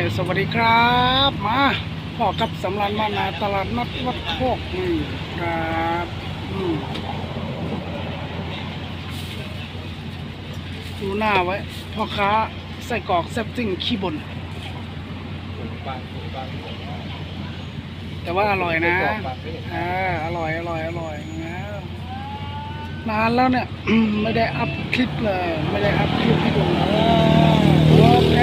สวัสดีครับมาพ่อกับสำรานมานาตลาดนัดวัดโคกนี่ครับดูหน้าไว้พ่อค้าไส้กรอกแซ่บซิ่งขี้บ่นแต่ว่าอร่อยนะอร่อยนะนานแล้วเนี่ยไม่ได้อัพคลิปเลยไม่ได้อัพคลิปให้ดูเลยโอเค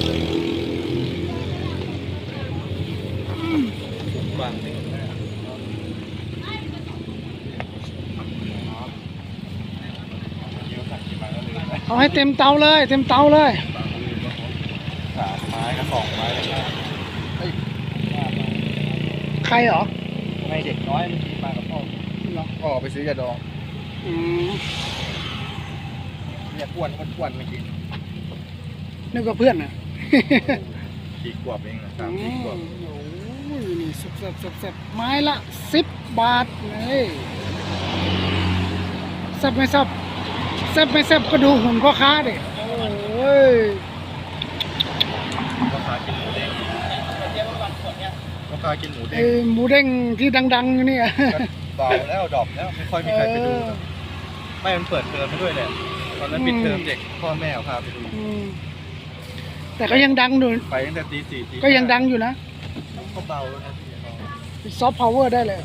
เอาให้เต็มเตาเลย3 ไม้กับ2 ไม้ใครเหรอไม่เด็กน้อยมันมากับพ่อพ่อไปซื้อยาดองเนี่ยอ้วนเมื่อกี้นึกว่าเพื่อนน่ะ 4 ขวบเองนะ3-4 ขวบโอ้ยนี่แซ่บไม้ละ10 บาทเลยแซ่บไม่แซ่บก็ดูหุ่นพ่อค้าดิโอ้ยพ่อค้ากินหมูเด้งพ่อค้ากินหมูเด้งหมูเด้งที่ดังๆอยู่นี่เบาแล้วดรอปแล้วไม่ค่อยมีใครไปดูไม่มันเปิดเทอมมาด้วยแหละตอนนั้นปิดเทอมเด็กพ่อแม่พาไปดูแต่ก็ยังดังอยู่ไปตั้งแต่ตี 4 ก็ยังดังอยู่นะก็เบาแล้วนะซอฟต์พาวเวอร์ได้เลย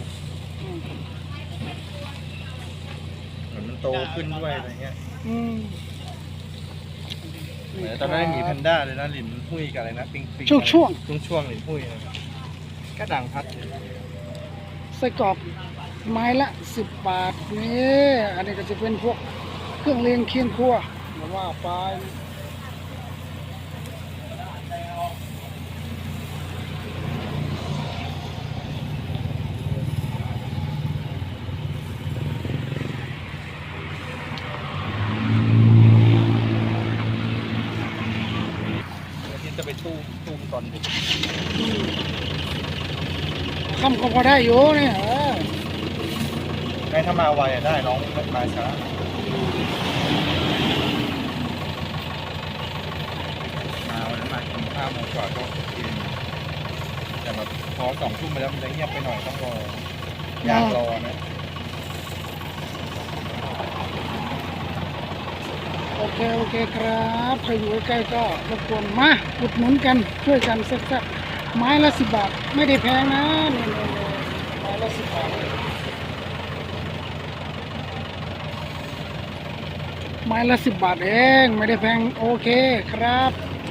เหมือนมันโตขึ้นด้วยอะไรเงี้ยเหมือนตอนนั้นมีแพนด้าเลยนะหลินหุ้ยกับอะไรนะปิงช่วงหลินหุ้ยก็ดังพัดไส้กรอกไม้ละ10 บาทนี่อันนี้ก็จะเป็นพวกเครื่องเลี้ยงเคียงครัวมาว่าไปจะไปตู้ตอนดึกคำก็พอได้อยู่เนี่ยถ้ามาไวได้น้องมาช้ามาวันนั้นมากินข้าวโมงกว่าก็กินแต่แบบพอ2 ทุ่มไปแล้วมันจะเงียบไปหน่อยต้องรอยากรอนะโอเคครับใครอยู่ใกล้ก็รบกวนมาอุดหนุนกันช่วยกันสักไม้ละ10 บาทไม่ได้แพงนะนี่ไม้ละ10 บาทไม้ละ10 บาทเองไม่ได้แพงโอเคครับ